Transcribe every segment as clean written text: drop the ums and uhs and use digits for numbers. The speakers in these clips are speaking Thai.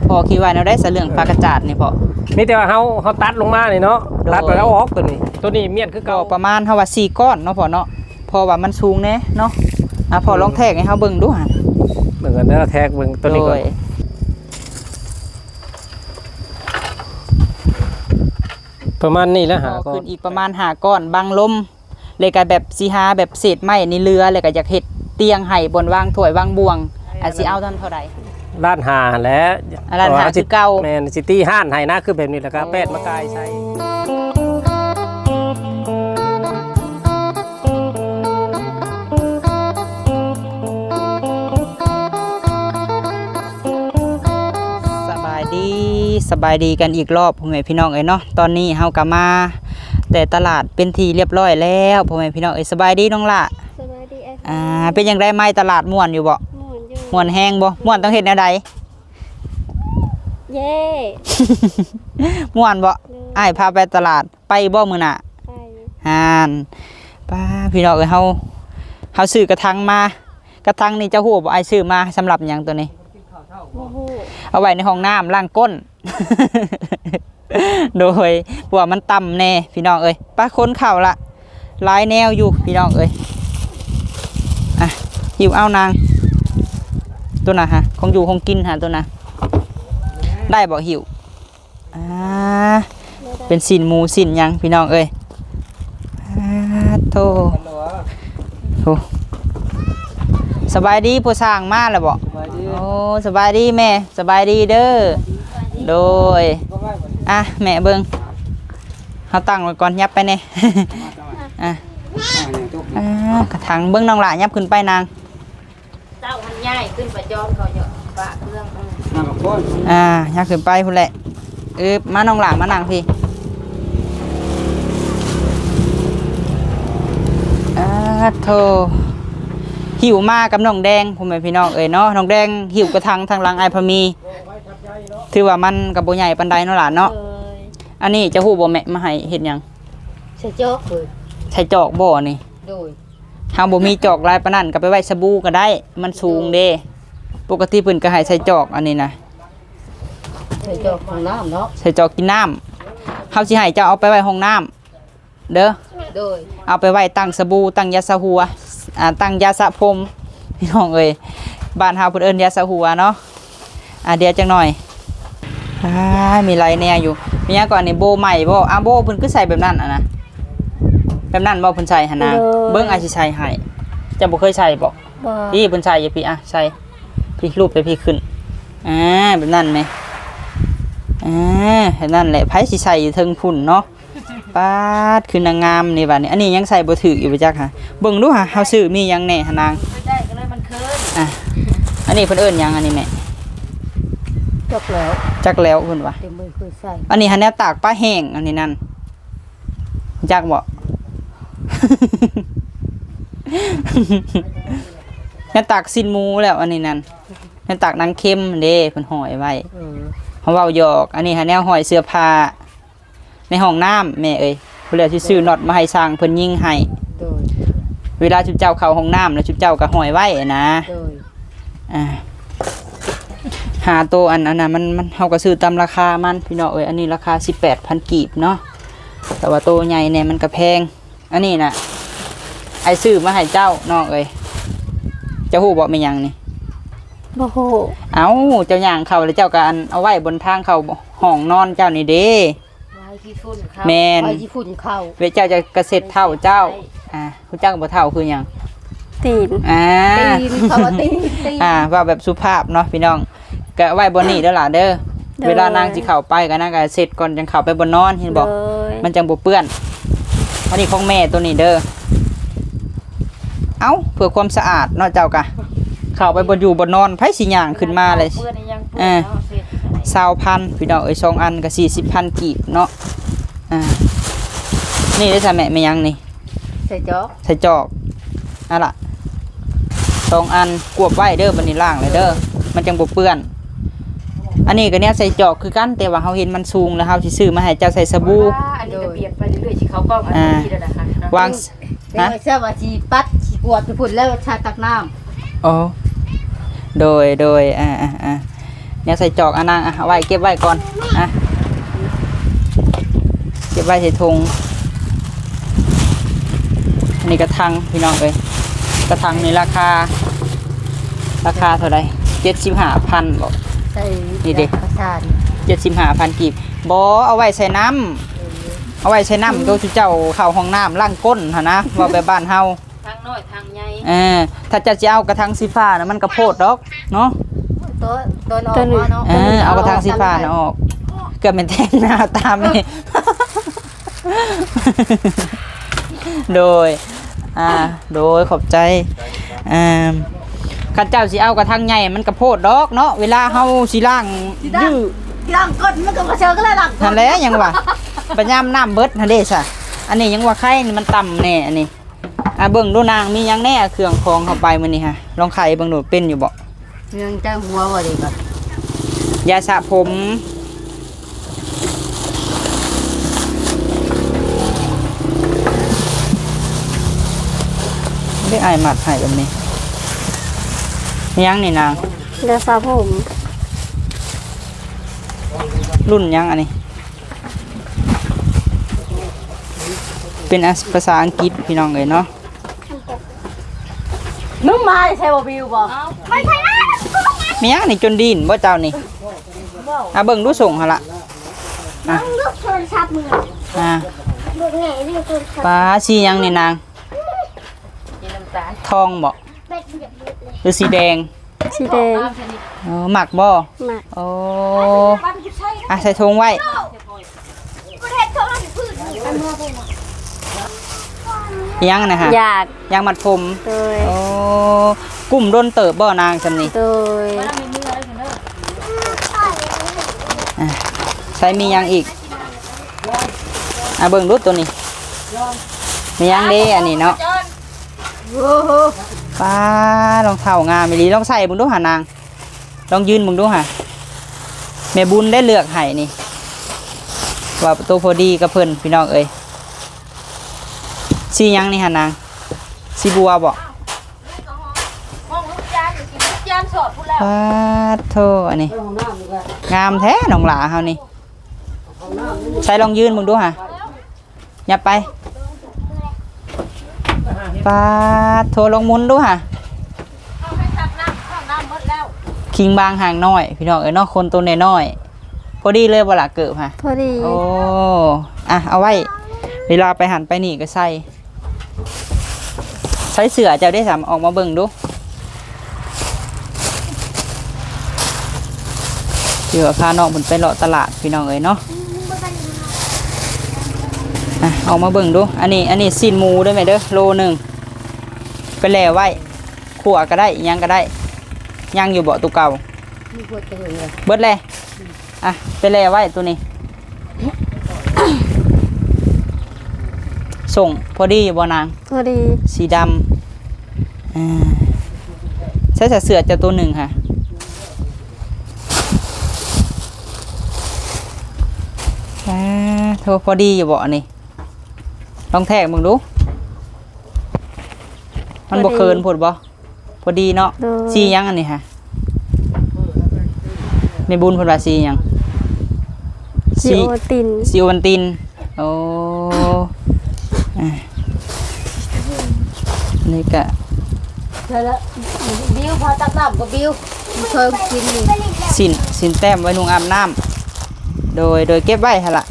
พอคิดว่าเราได้เรื่องปลากระจาดนี่พอมีแต่ว่าเฮาตัดลงมานี่เนาะตัดไปแล้วออกตัวนี้เมียนคือเก่าประมาณเฮาว่า4ก้อนเนาะพอเนาะพอว่ามันสูงแน่เนาะพอลองแทกให้เฮาเบิ่งดูหั่นเบิ่งกันเด้อแทกเบิ่งตัวนี้ก่อนประมาณนี้แล้วหาก็ขึ้นอีกประมาณ5ก้อนบังลมเลยก็แบบสิหาแบบเศษไม้นี่เรือเลยก็อยากเฮ็ดเตียงให้บนวางถ้วยวางบวงสิเอาเท่าใดร้านหาและร้านหาคือเก่าแม่นซิตี้ห้านให้นะคือแบบนี้แหละครับแปดมะกายใช้สบายดีกันอีกรอบพ่อแม่พี่น้องเอ้ยเนาะตอนนี้เฮากลับมาแต่ตลาดเป็นทีเรียบร้อยแล้วพ่อแม่พี่น้องเอ้ยสบายดีน้องล่ะสบายดีเป็นยังไงไหมตลาดม่วนอยู่บ่ม่วนแห้งบ่ม่วนต้องเฮ็ดแนวใดเย่ม่วนบ่อ้ายพาไปตลาดไปบ่มื้อน่ะไปป้าพี่น้องเอ้ยเฮาซื้อกระถางมากระถางนี่เจ้าฮู้บ่อ้ายซื้อมาสำหรับหยังตัวนี้เอาไว้ในห้องน้ำล้างก้น โดยเพราะว่ามันต่ำแน่พี่น้องเอ้ยป้าค้นเข่าละลายแนวอยู่พี่น้องเอ้ยหิวเอานางตัวน่ะฮะคงอยู่คงกินฮะตัวน่ะได้บอกหิวเป็นสินหมูสินยังพี่น้องเอ้ยโธ่สบายดีผู้สร้างมาแล้วบอกโอ้สบายดีแม่สบายดีเด้อโดยแม่เบิ้งเขาตั้งไว้ก่อนยับไปเนี่ยกระถางเบิ้งน้องหล่ายับขึ้นไปนางเจ้ามันใหญ่ขึ้นไปย้อนเขาเยอะปะเครื่องยับขึ้นไปพุ่นแหละมาน้องหล่ามานั่งพี่โธ่หิวมากกับน้องแดงผมเป็นพี่น้องเนาะน้องแดงหิวกระทังทางหลังไอพมีถือว่ามันกับโบใหญ่ปันไดเนาะหลานเนาะอันนี้จะหู้บ่แม่มาให้เห็นยังใส่จอกเลยใส่จอกบ่นี่โดยทางบ่มีจอกลายปานนั้นก็ไปไว้สบู่ก็ได้มันสูงเด้ปกติเพิ่นก็ให้ใส่จอกอันนี้นะใส่จอกห้องน้ำเนาะใส่จอกกินน้ำเฮาสิให้เจ้าเอาไปไว้ห้องน้ำเด้อโดยเอาไปไว้ตั้งสบู่ตั้งยาสระหัวตั้งยาสระผมพี่น้องเอ้ยบ้านเฮาเพิ่นเอิ้นยาสระหัวเนาะเดี๋ยวจังหน่อยมีไรแน่อยู่มีหยังก่อนนี่โบใหม่บ่โบเพิ่นคือใส่แบบนั้นนะแบบนั้นบ่เพิ่นใส่หั่นนะเบิ่งอาสิใส่ให้จะบ่เคยใส่บ่พี่เพิ่นใส่อย่าพี่ใส่พี่รูปไปพี่ขึ้นแบบนั้นมั้ยแบบนั้นแหละไผสิใส่อยู่เทิงพุ่นเนาะปาดคือนางงามนี่บัดนี้อันนี้ยังใส่บ่ถึกอยู่บ่จักค่ะเบิ่งดูค่ะเฮาซื้อมีหยังแน่หนางได้ก็เลยมันเคินอันนี้เพิ่นเอิ้นหยังอันนี้แม่จักแล้วเพิ่นว่าอันนี้หันแนวตากปลาแห้งอันนี้นั่นจักบ่ แนวตากซินหมูแล้วอันนี้นั่นแนวตากนางเค็มเด้เพิ่นห่อยไว้เฮาเว้าหยอกอันนี้หันแนวห่อยเสื้อผ้าในห้องน้ำแม่เอ้ยเพิ่นเลยสิซื้อน็อตมาให้สร้างเพิ่นยิงให้เวลาชุบเจ้าเข้าห้องน้ำแล้วชุบเจ้าก็ห่อยไว้นะหาตัวอันนั้นนะมันเฮาก็ซื้อตามราคามันพี่น้องเอ้ยอันนี้ราคา 18,000 กีบเนาะแต่ว่าตัวใหญ่เนี่ยมันก็แพงอันนี้น่ะไอ้ซื้อมาให้เจ้าน้องเอ้ยเจ้าฮู้บ่แม่นหยังนี่บ่ฮู้เอ้าเจ้าย่างเข้าแล้วเจ้าก็เอาไว้บนทางเข้าห้องนอนเจ้านี่เด้แม่นเวเจ้าจะกระเซ็ดเท่าเจ้าคุณเจ้าก็บ่เท่าคือหยังตีนเขาว่าตีนว่าแบบสุภาพเนาะพี่น้องก็ไว้บนนี้เด้อล่ะเด้อเวลานางสิเข้าไปก็นางก็เสร็จก่อนจังเข้าไปบนนอนเห็นบ่มันจังบ่เปื้อนอันนี้ของแม่ตัวนี้เด้อเอ้าเพื่อความสะอาดเนาะเจ้าก็เข้าไปบนอยู่บนนอนไผสิย่างขึ้นมาเลย20,000พี่น้องเอ้ย2อันก็40,000กีบเนาะนี่ได้ซะแม่ยังนี่ใส่จอกล่ะ2อันกวบไว้เด้อบัดนี้ล้างเลยเด้อมันจังบ่เปื้อนอันนี้ก็เนี่ยใส่จอกคือกันแต่ว่าเฮาเห็นมันสูงแล้วเฮาสิซื้อมาให้เจ้าใส่สบู่อันนี้ก็เปลี่ยนไปเรื่อยๆสิเขากล้องอันนี้แล้วนะคะวางนะใช่ว่าสิปัดสิกวดไปพุ่นแล้วชาตักน้ำโดยเนี่ยใส่จอกนางเอาไว้เก็บไว้ก่อนเก็บไว้ใส่ถุงอันนี้กระทังพี่น้องเอ้ยกระทังนี่ราคาเท่าไหร่75,000บอกใส่นี่เด็กประสาน 75,000กีบบเอาไว้ใส่น้ำเอาไว้ใส่น้ำโดยที่เจ้าเข้าห้องน้ำล้างก้นหั่นนะว่าไปบ้านเฮาทางน้อยทางใหญ่ถ้าจะเอากระทังสีฟ้านะมันกระโพดดอกเนาะตัวนออกมาเนาะเอากระทังสีฟ้านะออกเกือบเป็นแท่งหน้าตามนี่ โดยขอบใจข้าเจ้าสิเอากระทังใหญ่มันกระโพดดอกเนาะเวลาเฮาสิล้างดื้อล้างก้นมันก็กระเชิงก็เลยล้างนั่นแหละยังว่าปัญญามน้ำเบิดนั่นเด้ซะอันนี้ยังว่าไข่นี่มันต่ำแน่อันนี้เบิ่งดูนางมียังแน่เครื่องของเข้าไปมื้อนี้ฮะลองไข่เบิ่งดูเป็นอยู่บ่เมืองใจหัวบ่ดีก่อนยาสระผมได้อายหมัดให้แบบนี้ยังนี่นางยาสระผมรุ่นยังอันนี้เป็นภาษาอังกฤษพี่น้องเอ้ยเนาะมึงมาใช่บ่บิวบ่ไม่ใช่นะมียังนี่จนดินบ่เจ้านี่เบิ่งดูส่งหั่นล่ะต้องเลือกโทรศัพท์มือเลือกไงเลือกโทรศัพท์ปลาสียังนี่นางกินน้ำตาลทองบ่เป็นแบบนี้เลยหรือสีแดงสีแดงหมักบ่มาโอ้ใส่ถุงไว้ก็เทศโทรศัพท์พื้นอันนี้เป็นยังนะฮะอยากยังมัดผมโดยโอ้กลุ่มโดนเติบบ่นางซำนี่โดยใส่มียังอีกเบิ่งดูตัวนี้มียังเด้อันนี้เนาะโอ้โหป้ารองเท้างามอีหลีลองใส่เบิ่งดูหานางลองยืนเบิ่งดูหาแม่บุญได้เลือกให้นี่ว่าตัวพอดีกับเพิ่นพี่น้องเอ้ยสียังนี่หานางสีบัวบ่ห้องลูกจานกินลูกจานสอดพูดแล้วป้าโธ่อันนี้งามแท้น้องหลาเฮานี่ใส่ลองยืนเบิ่งดูหาอย่าไปป้าโทรลงมุนดูหาเอาให้ตักน้ำข้าวน้ำหมดแล้วคิงบางห่างน้อยพี่น้องเอ้ยเนาะคนตัวน้อยๆพอดีเลยบ่ล่ะเกิบฮะพอดีโอ้เอาไว้เวลาไปหันไปนี่ก็ใส่เสือเจ้าได้สามออกมาเบิ่งดูเดี๋ยวพาน้องเพิ่นไปเลาะตลาดพี่น้องเอ้ยเนาะออกมาเบิ่งดูอันนี้ซีนหมูด้วยไหมเด้อโลนึงไปแล่ไว้ขั่วก็ได้ย่างก็ได้ย่างอยู่บ่ตัวเก่ามีพวกเจอเลยเบิดเลยไปแล่ไว้ตัวนี้ ส่งพอดีอยู่บ่นางพอดีสีดำใช้เสือจะตัวหนึ่งค่ะโทรพอดีอยู่บ่นี่ลองแทกมึงดูมันบ่เคินผดบ่พอดีเนาะสียังอันนี้ค่ะไม่บุญผลว่าสียังสีโอตินซีโอวันตินโอ้นี่กะแล้วบิวพอตักน้ำก็บิวเคยกินนี่สินแต้มไว้นุงอาบน้ำโดยเก็บไว้ฮะล่ะ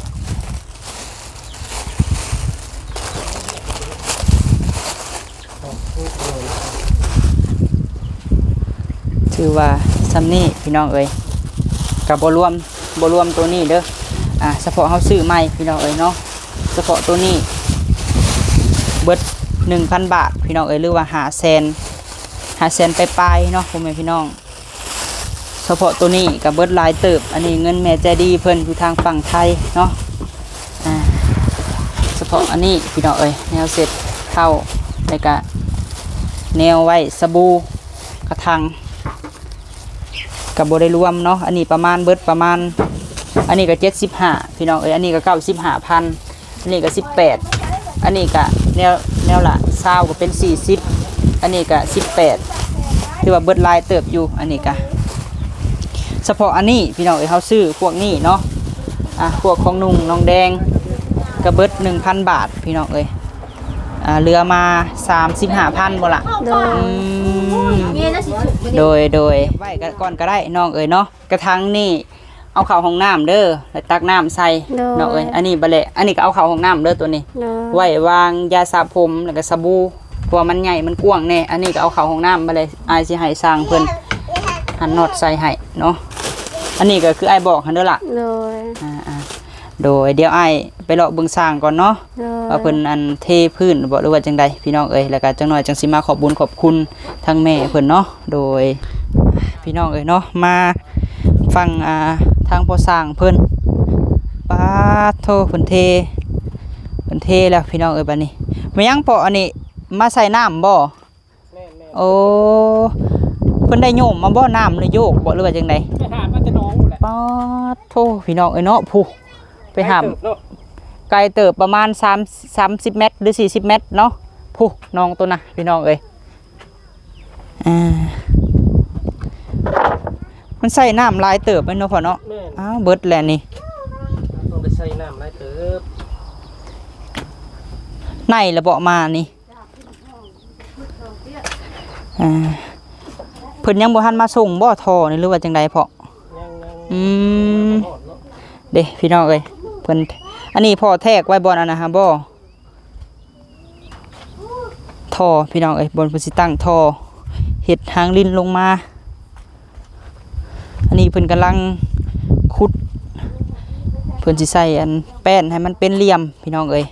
ถือว่าซัมนี่พี่น้องเอ้ยกับบรวมตัวนี้เด้อเฉพาะเขาซื้อใหม่พี่น้องเอ้ยเนาะเฉพาะตัวนี้เบิด 1,000 บาทพี่น้องเอ้ยหรือว่า500,000ไปปลายเนาะพ่อแม่พี่น้องเฉพาะตัวนี้กับเบิดลายเติบอันนี้เงินแม่ใจดีเพิ่นอยู่ทางฝั่งไทยเนาะเฉพาะอันนี้พี่น้องเอ้ยแนวเสร็จเข้าแล้วก็แนวไว้สบู่กระทังกับบ่ได้รวมเนาะอันนี้ประมาณเบิดประมาณอันนี้ก็75พี่น้องเอ้ยอันนี้ก็95,000อันนี้ก็18อันนี้ก็แนวละ20ก็เป็น40อันนี้ก็18ที่ว่าเบิดลายเติบอยู่อันนี้ก็เฉพาะอันนี้พี่น้องเอ้ยเฮาซื้อพวกนี้เนาะพวกของนุ่งน้องแดงกระเบิด 1,000 บาทพี่น้องเอ้ยเรือมา 35,000บ่ล่ะโดยเนี่ยน่าสิถูกโดยไว้ก่อนก็ได้น้องเอ้ยเนาะกระทังนี่เอาเข้าห้องน้ำเด้อแล้วตักน้ำใส่น้องเอ้ยอันนี้บ่แหละอันนี้ก็เอาเข้าห้องน้ำเด้อตัวนี้โดยไว้วางยาสระผมแล้วก็สบู่เพราะว่ามันใหญ่มันกว้างแน่อันนี้ก็เอาเข้าห้องน้ำบ่เลยอายสิให้สร้างเพิ่นหันน็อตใส่ให้เนาะอันนี้ก็คืออ้ายบอกหั่นเด้อล่ะโดยโดยเดี๋ยวอ้ายไปเลาะเบิ่งสร้างก่อนเนาะโดยว่าเพิ่นอันเทพื้นบ่หรือว่าจังใดพี่น้องเอ้ยแล้วก็จังหน่อยจังสิมาขอบบุญขอบคุณทั้งแม่เพิ่นเนาะโดยพี่น้องเอ้ยเนาะมาฟังทางพ่อสร้างเพิ่นปาโทเพิ่นเทแล้วพี่น้องเอ้ยบัดนี้มายังเปาะอันนี้มาใส่น้ำบ่แม่นโอ้เพิ่นได้โยมมาบ่น้ำหรือโยกบ่หรือว่าจังใดไปหามาแต่น้องแหละปาโทพี่น้องเอ้ยเนาะผู้ไปหาม ไกลเติบประมาณ30 เมตรหรือ40 เมตรเนาะผู้น้องตัวน่ะพี่น้องเอ้ยมันใส่น้ำลายเติบไปเนาะพ่อเนาะแม่นอ้าวเบิดแล้วนี่ต้องไปใส่น้ำหลายเติบในระเบาะมานี่เพิ่นยังบ่ทันมาส่งบ่ท่อนี่หรือว่าจังใดพ่อยังอืมหอดเนาะเด้พี่น้องเอ้ยเพิ่นอันนี้พ่อแทกไว้บ่อนอันนะฮะบ่ท่อพี่น้องเอ้ยบนเพิ่นสิตั้งท่อเฮ็ดหางลิ้นลงมาอันนี้เพิ่นกำลังขุดเพิ่นสิใส่อันแป้นให้มันเป็นเหลี่ยมพี่น้องเอ้ย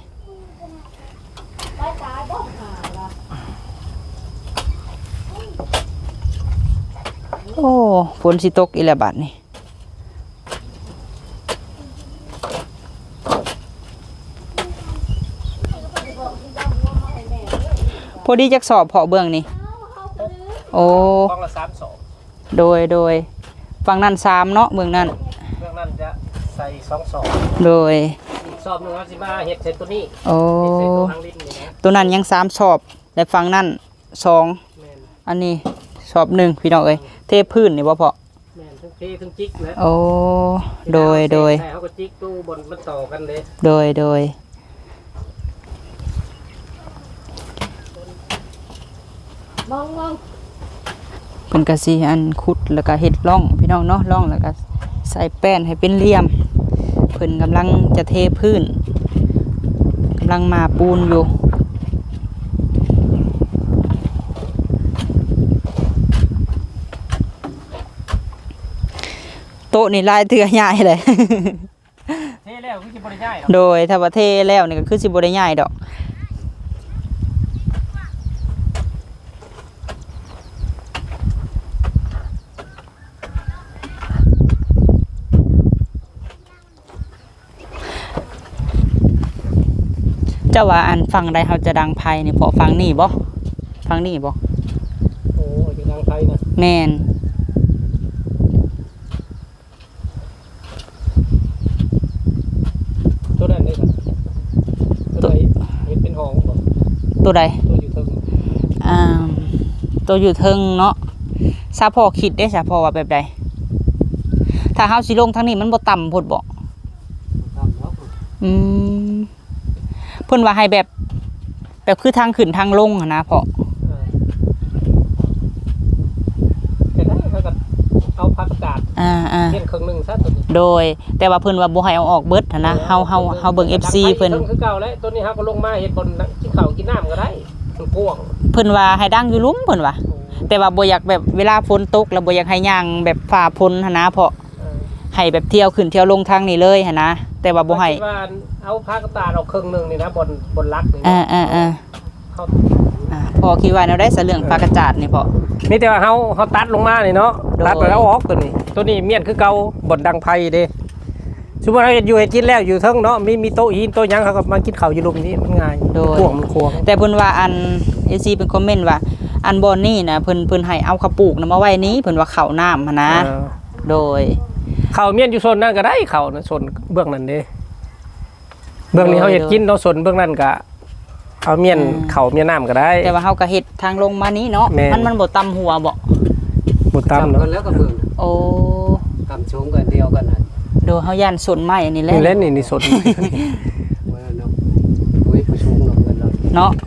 โอ้ฝนสิตกอีแล้วบัดนี้พอดีจักสอบเพาะเบื้องนี่โอ้กล้องละ3 โดยฝั่งนั้น3เนาะเบื้องนั้นเรื่องนั้นจะใส่2 สอบโดยอีกสอบหนึงเราสิมาเฮ็ดใส่ตัวนี้โอ้เฮ็ดใส่ตัวทางลิ้นนี่นะตัวนั้นยัง3สอบและฝั่งนั้น2 แม่นอันนี้สอบ1พี่น้องเอ้ยเทพื้นนี่บ่พอแม่นทั้งเททั้งจิกนะโอ้โดยใส่เขาก็จิกตู้บนมันต่อกันเลยโดยมองเพิ่นก็สิอันขุดแล้วก็เฮ็ดร่องพี่น้องเนาะร่องแล้วก็ใส่แป้นให้เป็นเหลี่ยมเพิ่นกำลังจะเทพื้นกำลังมาปูนอยู่โต๊ะนี่ลายเตือใหญ่เลยเทแล้วคือสิบ่ได้ย้ายหรอกโดยถ้าว่าเทแล้วนี่ก็คือสิบ่ได้ใหญ่ดอกเจ้าว่าอันฟังใดเขาจะดังไพ่นี่พอฟังนี่บ่ฟังนี่บ่โอ้ยอยู่ทางไทยนะแม่นตัวนั้นได้ครับตัวไหนเฮ็ดเป็นห้องบ่ตัวใดตัวอยู่เทิงอ่าตัวอยู่เทิงเนาะซาพอคิดได้ซาพอว่าแบบใดถ้าเฮาสิลงทางนี้มันบ่ต่ำโพดบ่ตามเนาะอืมเพิ่นว่าให้แบบคือทางขึ้นทางลงหั้นนะพ่อแต่ได้เขาก็เอาผักกาด เฮ็ดครึ่งหนึงซะตัวนี้โดยแต่ว่าเพิ่นว่าบ่ให้เอาออกเบิดหั้นนะเฮาเบิ่ง FC เพิ่นคือเก่าแล้วตัวนี้เฮาก็ลงมาเฮ็ดบนกินข้าวกินน้ำก็ได้มันกว้างเพิ่นว่าให้ดังอยู่หลุมเพิ่นว่าแต่ว่าบ่อยากแบบเวลาฝนตกแล้วบ่อยากให้ย่างแบบฝ่าฝนหั้นนะเพราะให้แบบเที่ยวขึ้นเที่ยวลงทางนี้เลยหั้นนะแต่ว่าบ่ให้คิดว่าเอาผักกาดเอาครึ่งหนึงนี่นะบนลักนี่ เขาพอคิดว่าแนวได้เสเรื่องปลากระจาดนี่พอมีแต่ว่าเฮาตัดลงมานี่เนาะโดยตัดไปแล้วออกตัวนี้เมียนคือเก่าบนดังไผเด้สมมุติเราอยู่ให้กินแล้วอยู่เทิงเนาะมีโต๊ะหินโต๊ะหยังเขาก็มากินข้าวอยู่ลุมนี้มันง่ายโดยกว้างมันควงแต่เพิ่นว่าอัน AC เป็นคอมเมนต์ว่าอันบอนนี่นะเพิ่นให้เอาข้าวปลูกนะมาไว้นี้เพิ่นว่าข้าวน้ำหั้นนะโดยข้าวเมียนอยู่โซนนั้นก็ได้ข้าวนะโซนเบื้องนั้นเด้เบื้องนี้โดยเขาเฮ็ดกินเนาะโซนเบื้องนั้นก็เอาเมียนข้าวเมียนน้ำก็ได้แต่ว่าเฮาก็เฮ็ดทางลงมานี้เนาะแม่นมันบ่ต่ำหัวบ่บ่ตามเนาะแล้วก็เบิ่งโอ้ก็สูงกันเดียวกันน่ะดูเฮาย่านสนไม้อันนี้แหละนี่แหละนี่สดว่าเนาะโอ้ยผู้สูงเนาะเงินเราเนาะ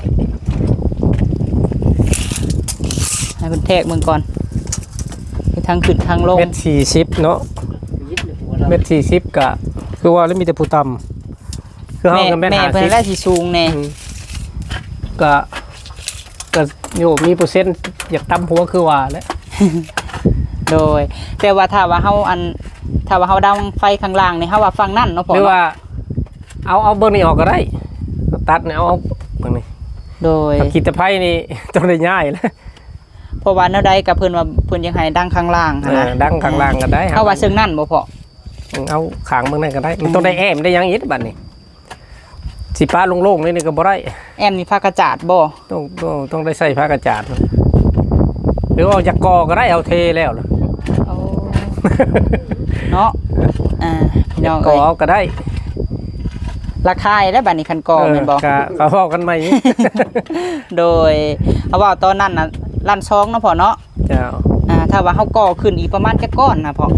ให้เพิ่นแทกเบิ่งก่อนไปทางขึ้นทางลงเม็ด40เนาะยิดเลยหัวเราเม็ด40ก็คือว่าแล้วมีแต่ผู้ต่ำคือเฮากับแม่นแม่เพิ่นได้สิสูงแน่ก็โยมีเปอร์เซ็นต์อยากต่ำหัวคือว่าแหละโดยแต่ว่าถ้าว่าเฮาดังไฟข้างล่างนี่เฮาว่าฝั่งนั่นเนาะพ่อหรือเนาะว่าเอาเบอร์นี้ออกก็ได้เอาตัดเนี่ยเอาเบอร์นี้โดยขีดตะไคร้นี่ ต้องได้ง่ายแล้วเพราะว่าแนวใดกับเพิ่นว่าเพิ่นยังให้ดังข้างล่างหั้นนะดังข้างล่างก็ได้เฮาว่าซึ่งนั่นบ่พ่อเอาขางเบอร์นั้นก็ได้มันต้องได้แอมได้หยังอีกบัดนี้สิป้าโล่งๆนี่ก็บ่ได้แอมนี่ผ้ากระจาดบ่ต้องได้ใส่ผ้ากระจาดหรือว่าเอาจากกอก็ได้เอาเทแล้วล่ะโอ้เนาะพี่น้องกอเอ้ยเอาก็ได้ราคาได้บัดนี้คันกอแม่นบ่ก็เว้ากันใหม่โดยเอาว่าตอนนั้นน่ะลั่นซองเนาะพ่อเนาะเจ้าถ้าว่าเฮาก่อขึ้นอีกประมาณจักก้อนนะพ่อ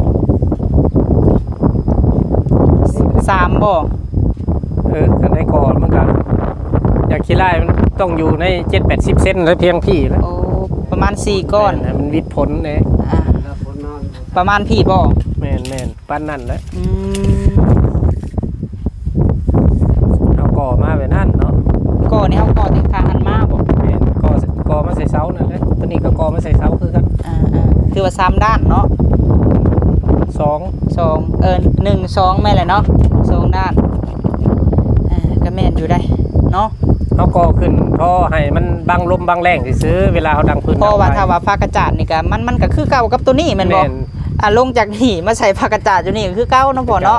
3บ่ก็ได้กอมันก็อยากขี้ไล่มันต้องอยู่ใน7-80 เซนแล้วเพียงพี่แล้วโอ้ประมาณ4ก้อนแม่มันวิดผลเนี่ยแล้วคนนอนประมาณพี่บ่แม่นปั้นนั่นแหละอืมเอาก่อมาแบบนั้นเนาะก่อนี่เฮาก่อถึงทางหันมาบ่แม่นก่อมาใส่เสานั่นแหละตัวนี้ก็ก่อมาใส่เสาคือกันคือว่า3ด้านเนาะ 2 1 2แม่นแหละเนาะ2ด้านก็แม่นอยู่ได้เนาะเอาก่อขึ้นพอให้มันบังลมบังแรงซื้อเวลาเขาดังพื้นเพราะว่าถ้าว่าผ้ากระจาดนี่ก็มันก็คือเก่ากับตัวนี้แม่นบ่ลงจากนี่มาใส่ผ้ากระจาดอยู่นี่ก็คือเก่าเนาะพ่อเนาะ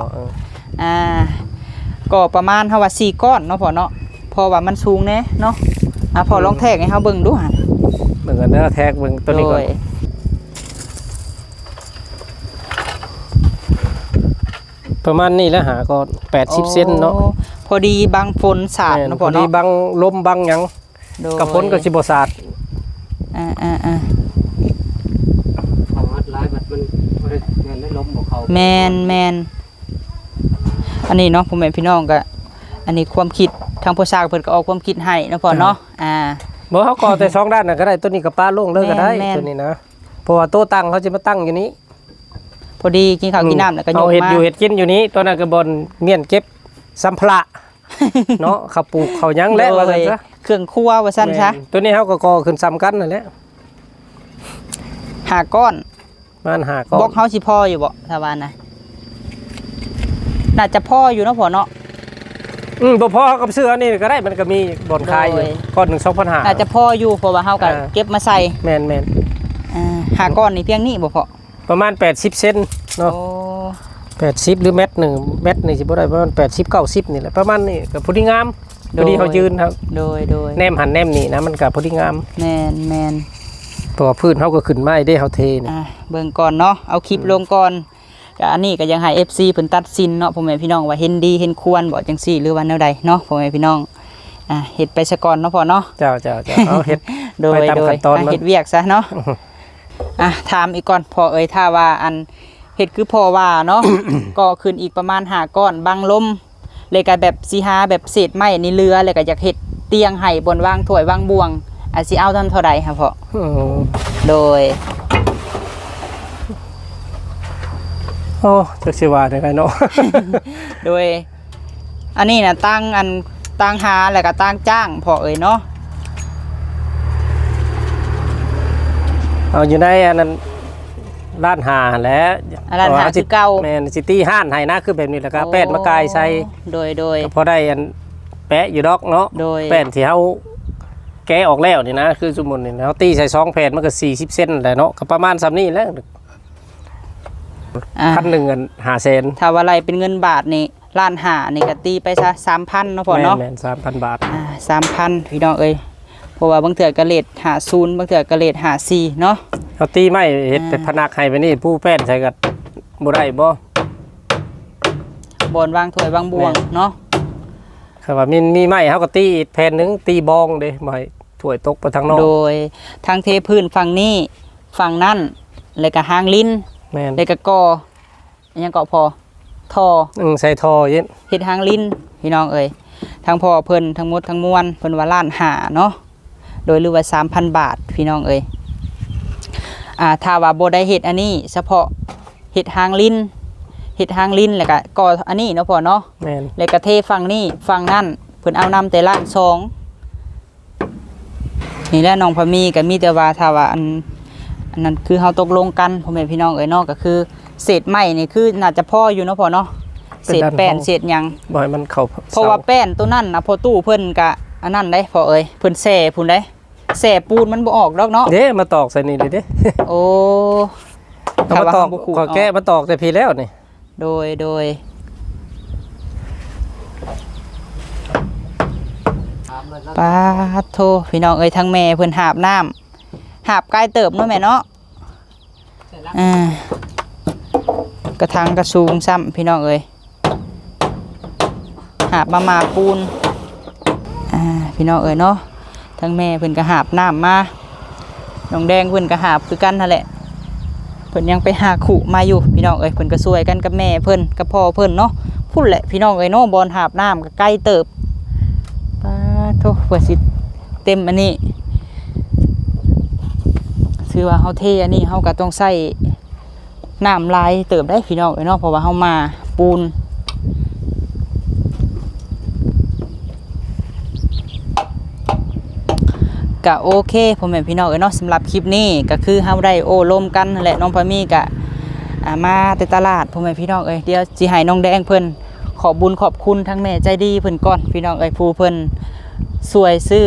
ก็ประมาณเฮาว่า4ก้อนเนาะพ่อเนาะเพราะว่ามันสูงแน่เนาะพอลองแทกให้เฮาเบิ่งดูหั่นเหมือนกันเด้อแท็กเบิ่งตัวนี้ก่อน ประมาณนี้แล้วหาก็80 เซนเนาะพอดีบางฝนสาดเนาะพ่อดีเนาะบังลมบังหยังกับฝนก็สิบ่สาดของอัดหลายบัดมันบ่ได้เงินได้ล้มบ่เข้าแมนอันนี้เนาะพ่อแม่พี่น้องก็อันนี้ความคิดทางผู้สร้างเพิ่นก็ออกความคิดให้เนาะพ่อเนาะบ่เฮาก่อแต่2ด้านน่ะก็ได้ตัวนี้ก็ป้าลงเลยก็ได้แม่นตัวนี้นะเพราะว่าโต๊ะตั้งเขาจะมาตั้งอยู่นี้พอดีกินข้าวกินน้ำแล้วก็ยเอากเห็ดมาอยู่เห็ดกินอยู่นี้ตัวนั้นก็บนเมียนเก็บสัมภาระ เนาะข้าวปลูกข้าวหยังและว่าซั่นซะเครื่องครัวว่าซั่นซะแม่ตัวนี้เฮาก็ก่อขึ้นซ้ำกันนั่นแหละ 5ก้อนมันหาก็บอกเฮาสิพออยู่บ่ถ้าว่านะน่าจะพออยู่เนาะพ่อเนาะบ่พอกับเสื้อนี่ก็ได้มันก็มีบ่อนขายอยู่โดยก้อนหนึง 2,500 น่าจะพออยู่เพราะว่าเฮาก็เก็บมาใส่แม่น 5ก้อนนี่เพียงนี้บ่พอๆประมาณ80 เซนเนาะโอ้ 80หรือเม็ดหนึงเม็ดนี่สิบ่ได้ประมาณ80 90นี่แหละประมาณนี้ก็พอดีงามพอดีเขายืนครับโดยแนมหันแนมนี่นะมันก็พอดีงามแม่นเพราะว่าพื้นเฮาก็ขึ้นไม้ได้เฮาเทนี่เบิ่งก่อนเนาะเอาคลิปลงก่อนก็อันนี้ก็ยังให้ FC เพิ่นตัดสินเนาะพ่อแม่พี่น้องว่าเห็นดีเห็นควรบ่จังซี่หรือว่าแนวใดเนาะพ่อแม่พี่น้องเฮ็ดไปซะก่อนเนาะพ่อเนาะเจ้าเอาเฮ็ดโดไปยตามขั้นตอนมันเฮ็ดเวียกซะเนาะถามอีกก่อนพ่อเอ้ยถ้าว่าอันเฮ็ดคือพ่อว่าเนาะ ก็ขึ้นอีกประมาณ5ก้อนบังลมเลยก็แบบสิหาแบบเศษไม้นี่เรือแล้วก็อยากเฮ็ดเตียงให้บนวางถ้วยวางบ่วงสิเอาเท่าใดค่ะพ่อ โดยโอ้จักสิว่าได้ไงเนาะโดย อันนี้นะตั้งหาแล้วก็ตั้งจ้างพอเอ่ยเนาะเอาอยู่ในอันนั้นร้านหาแหล้วร้านหาคือเก่าแม่นซิตี้ห้านให้นะคือแบบนี้แหละครับแป้นมะกายใส่โดยก็พอได้อันแปะอยู่ดอกเนาะโดยแป้นที่เฮาแกะออกแล้วนี่นะคือสมมุตินี่เฮาตีใส่2แผ่นมันก็40 เซนแหละเนาะก็ประมาณซำนี้แหล้วอ่ะ 1,000อัน5 เซนถ้าว่าอะไรเป็นเงินบาทนี่ล้านหานี่ก็ตีไปซะ 3,000เนาะพอเนาะแม่น 3,000 บาท 3,000พี่น้องเอ้ยเพราะว่าบางเทื่อก็เลท50บางเทื่อก็เลท54เนาะเฮาตีไม้เฮ็ดเป็นพนักให้ไปนี่ผู้แป้นใส่ก็บ่ได้บ่บนวางถ้วยวางบ่วงเนาะครับว่ามีไม้เฮาก็ตีอีกแผ่นหนึงตีบองเด้บ่ให้ถ้วยตกไปทางนอกโดยทางเทพื้นฝั่งนี้ฝั่งนั้นแล้วก็หางลิ้นแม่นแล้วก็กออันยังเกาะพอทอใส่ทอเย็นเฮ็ดหางลิ้นพี่น้องเอ้ยทั้งพ่อเพิ่นทั้งหมดทั้งมวลเพิ่นว่าล้านห้าเนาะโดยหรือว่า 3,000 บาทพี่น้องเอ้ยถ้าว่าบ่ได้เฮ็ดอันนี้เฉพาะเฮ็ดหางลิ้นแล้วก็ก่ออันนี้เนาะพ่อเนาะแม่นแล้วก็เทฝั่งนี้ฝั่งนั่นเพิ่นเอานำแต่ล้านสองนี่แหละน้องพะมีก็มีแต่ว่าถ้าว่าอันนั้นคือเฮาตกลงกันพ่อแม่พี่น้องเอ้ยเนาะก็คือเศษไม้นี่คือน่าจะพออยู่เนาะพ่อเนาะเศษแป้นเศษหยังบ่ให้มันเข้าเพราะว่าแป้นตัวนั้นนะพอตู้เพิ่นกะอันนั้นได้พอเอ้ยเพิ่นแส่พุ่นได้แส่ปูนมันบ่ออกดอกเนาะเด้มาตอกใส่นี่เด้โอ้เอามาตอกขอแก้มาตอกแต่พี่แล้วนี่โดยปาโทพี่น้องเอ้ยทั้งแม่เพิ่นหาบน้ำหาบใกล้เติบเนาะแม่เนาะกระทังกระสูงซ้ำพี่น้องเอ้ยหาบมาปูนพี่น้องเอ้ยเนาะทั้งแม่เพิ่นก็หาบน้ำมาน้องแดงเพิ่นก็หาบคือกันนั่นแหละเพิ่นยังไปหาขู่มาอยู่พี่น้องเอ้ยเพิ่นก็ช่วยกันกับแม่เพิ่นกับพ่อเพิ่นเนาะพุ่นแหละพี่น้องเอ้ยเนาะบอลหาบน้ำก็ใกล้เติบปาโทเพื่อสิเต็มอันนี้คือว่าเฮาเทอันนี้เฮาก็ต้องใส่น้ำลายเติบได้พี่น้องเอ้ยเนาะเพราะว่าเฮามาปูนก็โอเคพ่อแม่พี่น้องเอ้ยเนาะสำหรับคลิปนี้ก็คือเฮาได้โอ้ลมกันนั่นแหละน้องพามีก็มาแต่ตลาดพ่อแม่พี่น้องเอ้ยเดี๋ยวสิให้น้องแดงเพิ่นขอบุญขอบคุณทั้งแม่ใจดีเพิ่นก่อนพี่น้องเอ้ยผู้เพิ่นช่วยซื้อ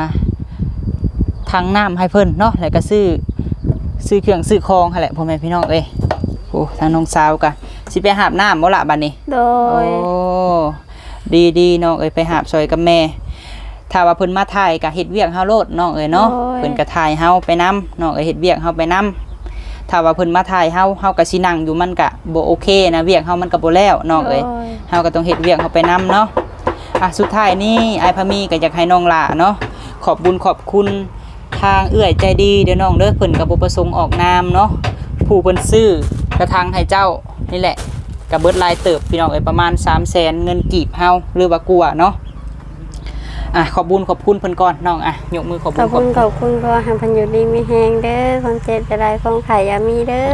ทั้งน้ำให้เพิ่นเนาะแล้วก็ซื้อเครื่องซื้อของนั่นแหละพ่อแม่พี่น้องเอ้ยโอ้ทางน้องสาวก็สิไปหาบน้ำบ่ล่ะบัดนี้โดยโอ้ดีน้องเอ้ยไปหาบซอยกับแม่ถ้าว่าเพิ่นมาถ่ายก็เฮ็ดเวียกเฮาโลดน้องเอ้ยเนาะเพิ่นก็ถ่ายเฮาไปนํน้องเอ้ยเฮ็ดเวียกเฮาไปนํถ้าว่าเพิ่นมาถ่ายเฮาก็สินั่งอยู่มันก็บ่โอเคนะเวียกเฮามันก็บ่แล้วน้องเอ้ยเฮาก็ต้องเฮ็ดเวียกเฮาไปนํเนาะสุดท้ายนี้อ้ายพะมีก็อยากให้น้องหล่าเนาะขอบบุญขอบคุณทางเอื้อยใจดีเด้อน้องเด้อเพิ่นก็บ่ประสงค์ออกนามเนาะผู้เพิ่นซื้อกระทังให้เจ้านี่แหละก็เบิดรายเติบพี่น้องเอ้ยประมาณ 300,000 เงินกีบเฮาหรือว่ากลัวเนาะขอบบุญขอบคุณเพิ่นก่อนน้องยกมือขอบบุญขอบคุณก็ให้เพิ่นอยู่ดีมีแฮงเด้อความเจ็บจะได้ความไข่อย่ามีเด้อ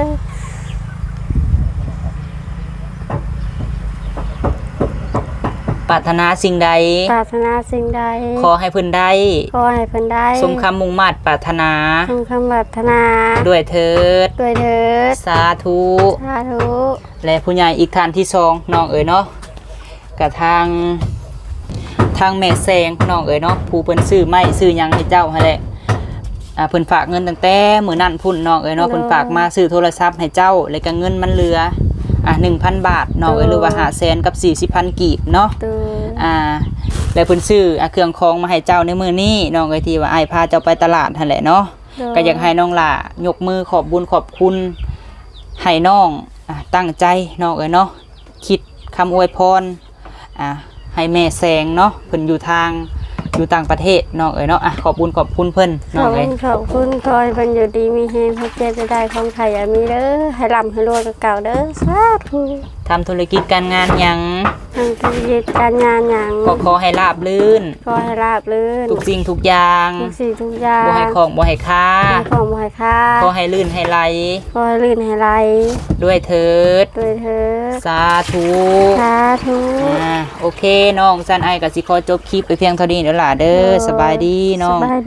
ปรารถนาสิ่งใดปรารถนาสิ่งใดขอให้เพิ่นได้ขอให้เพิ่นได้สมคำมุ่งมั่นปรารถนาสมคำปรารถนาด้วยเถิดด้วยเถิดสาธุสาธุและผู้ใหญ่อีกท่านที่2น้องเอ๋ยเนาะกับทางแม่แซงน้องเอ๋ยเนาะผู้เพิ่นซื้อไม้ซื้อหยังให้เจ้าหั่นแหละเพิ่นฝากเงินตั้งแต่มื้อนั้นพุ่นน้องเอ๋ยเนาะเพิ่นฝากมาซื้อโทรศัพท์ให้เจ้าแล้วก็เงินมันเหลือ1,000 บาทน้องเอ๋ยหรือว่า500,000กับ40,000กีบเนาะตัวแล้วเพิ่นซื้อเครื่องของมาให้เจ้าในมื้อนี้น้องเอ๋ยที่ว่าอ้ายพาเจ้าไปตลาดหั่นแหละเนาะก็อยากให้น้องหล่ายกมือขอบบุญขอบคุณให้น้องตั้งใจน้องเอ๋ยเนาะคิดคำอวยพรให้แม่แสงเนาะเพิ่นอยู่ต่างประเทศน้องเอ๋ยเนาะขอบบุญขอบคุณเพิ่นน้องเอ๋ยขอบคุณคอยเพิ่นอยู่ดีมีแฮงความเจ็บจะได้ความไข่อย่ามีเด้อให้ร่ำให้รวยกับเก่าเด้อสาธุทำธุรกิจการงานหยังทางธุรกิจการงานหยังขอให้ราบรื่นขอให้ราบรื่นทุกสิ่งทุกอย่างทุกสิ่งทุกอย่างบ่ให้ของบ่ให้ค่าของบ่ให้ค่าขอให้ลื่นให้ไหลขอให้ลื่นให้ไหลด้วยเถิดด้วยเถิดสาธุสาธุโอเคน้องซันไอกับสิขอจบคลิปไปเพียงเท่านี้เด้อล่ะเด้อสบายดีน้องสบายดี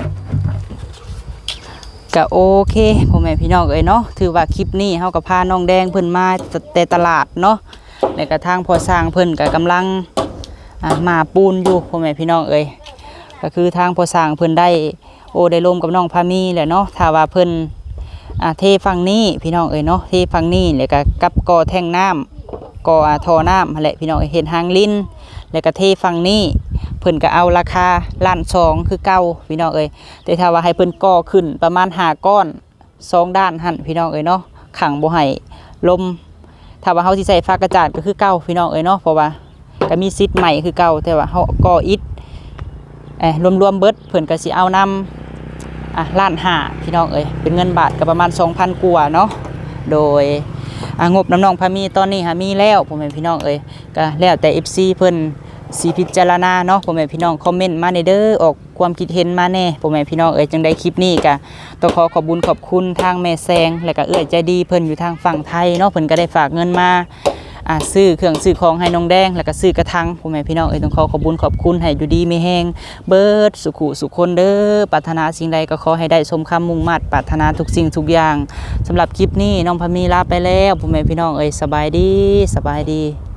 ก็โอเคพ่อแม่พี่น้องเอ้ยเนาะถือว่าคลิปนี้เฮาก็พาน้องแดงเพิ่นมาแต่ตลาดเนาะแล้วก็ทางพอสร้างเพิ่นก็กำลังมาปูนอยู่พ่อแม่พี่น้องเอ้ยก็คือทางพอสร้างเพิ่นได้ได้ร่วมกับน้องพามีแหละเนาะถ้าว่าเพิ่นเทฝั่งนี้พี่น้องเอ้ยเนาะเทฝั่งนี้แล้วก็กับก่อแท่งน้ำก่อท่อน้ำนั่นแหละพี่น้องเห็นหางลิ้นแล้วก็เทฝั่งนี้เพิ่นก็เอาราคา1,200,000คือเก่าพี่น้องเอ้ยแต่ถ้าว่าให้เพิ่นก่อขึ้นประมาณ5ก้อน2ด้านหั่นพี่น้องเอ้ยเนาะขังบ่ให้ลมถ้าว่าเฮาสิใส่ฟ้ากระจาดก็คือเก่าพี่น้องเอ้ยเนาะเพราะว่าก็มีซิดใหม่คือเก่าแต่ว่าเฮาก่ออิฐรวมๆเบิดเพิ่นก็สิเอานำ1,500,000พี่น้องเอ้ยเป็นเงินบาทก็ประมาณ 2,000 กว่าเนาะโดยงบน้ำน้องพามีตอนนี้หามีแล้วพ่อแม่พี่น้องเอ้ยก็แล้วแต่ FC เพิ่นสิพิจารณาเนาะพ่อแม่พี่น้องคอมเมนต์มาในเด้อออกความคิดเห็นมาแน่พ่อแม่พี่น้องเอ้ยจังได้คลิปนี้ก็ต้องขอขอบคุญขอบคุณทางแม่แซงและก็เอื้อยใจดีเพิ่นอยู่ทางฝั่งไทยเนาะเพิ่นก็ได้ฝากเงินมาซื้อเครื่องซื้อของให้น้องแดงแล้วก็ซื้อกระถางพ่อแม่พี่น้องเอ้ยต้องขอขอบคุญขอบคุณให้อยู่ดีมีแฮงเบิดสุขุสุขคนเด้อปรารถนาสิ่งใดก็ขอให้ได้สมคำมุ่งมั่นปรารถนาทุกสิ่งทุกอย่างสำหรับคลิปนี้น้องพามีลาไปแล้วพ่อแม่พี่น้องเอ้ยสบายดี